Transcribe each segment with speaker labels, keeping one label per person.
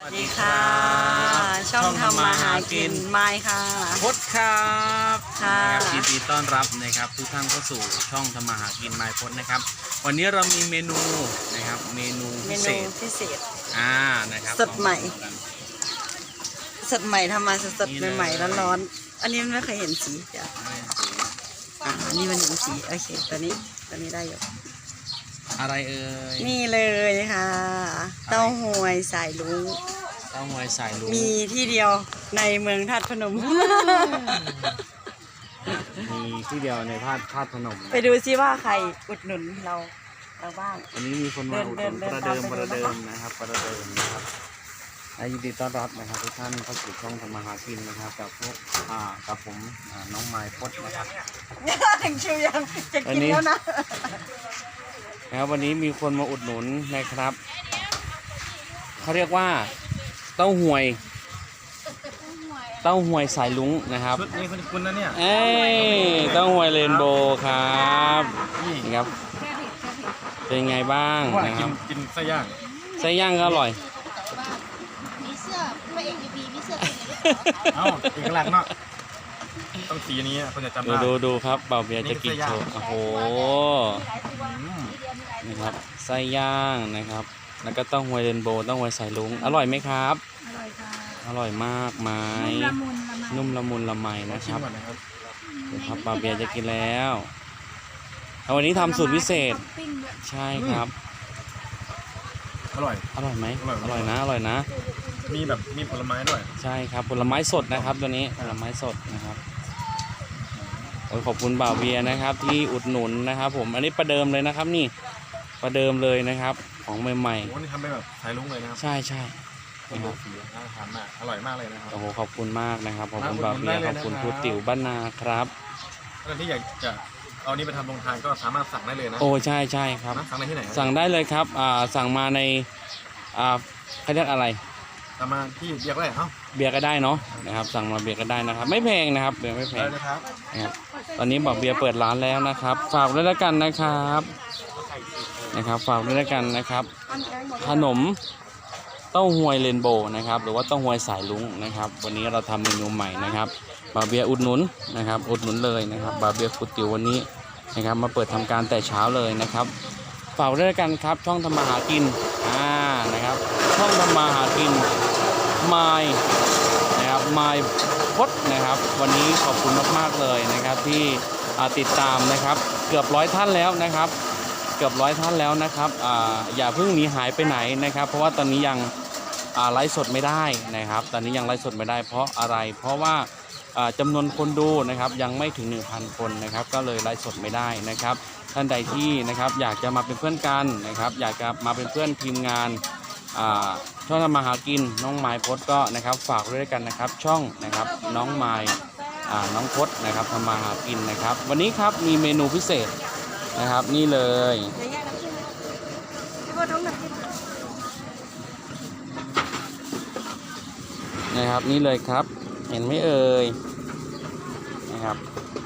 Speaker 1: สวัสดีค่ะช่องทำมาหากินไม้ค่ะ
Speaker 2: พดครับ
Speaker 1: ค่ะ
Speaker 2: ยินดีต้อนรับนะครับทุกท่านเข้าสู่ช่องทำมาหากินไม้พดนะครับวันนี้เรามีเมนูนะครับเมนูพิเศษนะครับ
Speaker 1: สดใหม่ทำมาสดใหม่ๆร้อนๆอันนี้มันไม่เคยเห็นสีจ้ะอันนี้มันเห็นสีโอเคตัวนี้ได้อยู่
Speaker 2: อะไรเอ่ย
Speaker 1: นี่เลยค่ะเต้าหวยสายลุงมีที่เดียวในเมืองธาตุพนม
Speaker 2: มีที่เดียวในธาตุพนม
Speaker 1: ไปดูซิว่าใครอุดหนุนเราบ้าง
Speaker 2: วันนี้มีคนมาอุดหนุนประเดิมนะครับยินดีต้อนรับนะครับทุกท่านเข้าสู่ช่องทำมาหากินนะครับกับพวกกับผมน้องไม้พดนะครับ
Speaker 1: ถึงชิวยังจะกินแล้วนะ
Speaker 2: วันนี้มีคนมาอุดหนุนนะครับเขาเรียกว่าเต้าหวยสายลุงนะครับ
Speaker 3: ชุดนี้คุณนะเนี่ย
Speaker 2: เต้าหวยเรนโบว์ครับนี่ครับเป็นไงบ้างนะครับ
Speaker 3: กินไส้ย่
Speaker 2: างก็อร่อย
Speaker 4: มีเสื้อพระเอกบีมีเสื้อเป็น
Speaker 3: เอ้าเอกลักษณ์เนาะต้องสีนี้คนจะจำได้
Speaker 2: ดูครับเบาเบียร์จะกินโชว์โอ้โหนี่ครับไส้ย่างนะครับแล้วก็เต้าหวยเรนโบว์เต้าหวยสายลุงอร่อยไหมครับ
Speaker 4: อร่อยค่ะ
Speaker 2: อร่อยมากไหมนุ่มละมุนละไมนะครับเดี๋ยวครับเบาเบียร์จะกินแล้ววันนี้ทำสูตรพิเศษใช่ครับ
Speaker 3: อร่อย
Speaker 2: ไหมอร่อยนะ
Speaker 3: มีผลไม้ด้วย
Speaker 2: ใช่ครับผลไม้สดนะครับตัวนี้ผลไม้สดนะครับขอบคุณบ่าวเบียร์นะครับที่อุดหนุนนะครับผมอันนี้ประเดิมเลยนะครับนี่ประเดิมเลยนะครับของใหม่
Speaker 3: ๆโอ้นี่ทำเป็นแบบสายลุงเลยนะครับ
Speaker 2: ใช่
Speaker 3: นะครับน่าทานมากอร่อยมากเลยนะครับ
Speaker 2: โอ้โหขอบคุณมากนะครับขอบคุณบ่าวเบียร์ขอบคุณครูติ๋วบ้านนาครับ
Speaker 3: ท่านที่อยากจะเอานี้ไปทำโรงทานก็สามารถสั่งได้เลยนะ
Speaker 2: โอ้ใช่ครับ
Speaker 3: สั่งได้ที่ไหน
Speaker 2: สั่งได้เลยครับสั่งมาในเขาเรียกอะไร
Speaker 3: มาที่เบียร์ก็ได้
Speaker 2: เบียร์ก็ได้เนาะนะครับสั่งมาเบียร์ก็ได้นะครับไม่แพงนะครับเบียร์ไม่แพง
Speaker 3: นะครับ
Speaker 2: ตอนนี้บอกเบียร์เปิดร้านแล้วนะครับฝากด้วยแล้วกันนะครับฝากด้วยแล้วกันนะครับขนมเต้าหวยเรนโบว์นะครับหรือว่าเต้าหวยสายลุงนะครับวันนี้เราทำเมนูใหม่นะครับบ่าวเบียร์อุดหนุนนะครับอุดหนุนเลยนะครับบ่าวเบียร์ครูติ๋ววันนี้นะครับมาเปิดทำการแต่เช้าเลยนะครับฝากด้วยกันครับช่องทำมาหากินนะครับช่องทำมาหากินไม้นะครับไม้พดนะครับวันนี้ขอบคุณมากๆเลยนะครับที่ติดตามนะครับเกือบ100ท่านแล้วนะครับอย่าเพิ่งหนีหายไปไหนนะครับเพราะว่าตอนนี้ยังไลฟ์สดไม่ได้นะครับตอนนี้ยังไลฟ์สดไม่ได้เพราะอะไรเพราะว่าจำนวนคนดูนะครับยังไม่ถึง 1,000 คนนะครับก็เลยไลฟ์สดไม่ได้นะครับท่านใดที่นะครับอยากจะมาเป็นเพื่อนกันนะครับอยากจะมาเป็นเพื่อนทีมงานช่องทำมาหากินน้องไม้พดก็นะครับฝากด้วยกันนะครับช่องนะครับน้องไม้น้องพดนะครับทำมาหากินนะครับวันนี้ครับมีเมนูพิเศษนะครับนี่เลยนะครับนี่เลยครับเห็นไหมเอ่ยนะครับ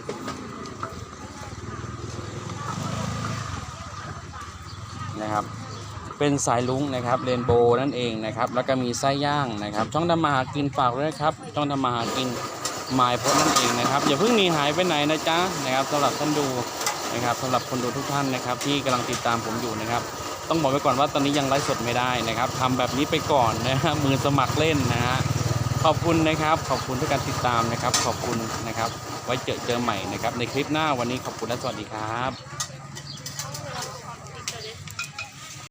Speaker 2: เป็นสายลุงนะครับเรนโบว์นั่นเองนะครับแล้วก็มีไส้ย่างนะครับช่องทำมาหากินฝากด้วยครับช่องทำมาหากินไม้พดนั่นเองนะครับอย่าเพิ่งหนีหายไปไหนนะจ๊ะนะครับสำหรับท่านดูนะครับสำหรับคนดูทุกท่านนะครับที่กำลังติดตามผมอยู่นะครับต้องบอกไว้ก่อนว่าตอนนี้ยังไลฟ์สดไม่ได้นะครับทำแบบนี้ไปก่อนนะฮะมือสมัครเล่นนะฮะขอบคุณนะครับขอบคุณทุกการติดตามนะครับขอบคุณนะครับไว้เจอใหม่นะครับในคลิปหน้าวันนี้ขอบคุณและสวัสดีครับ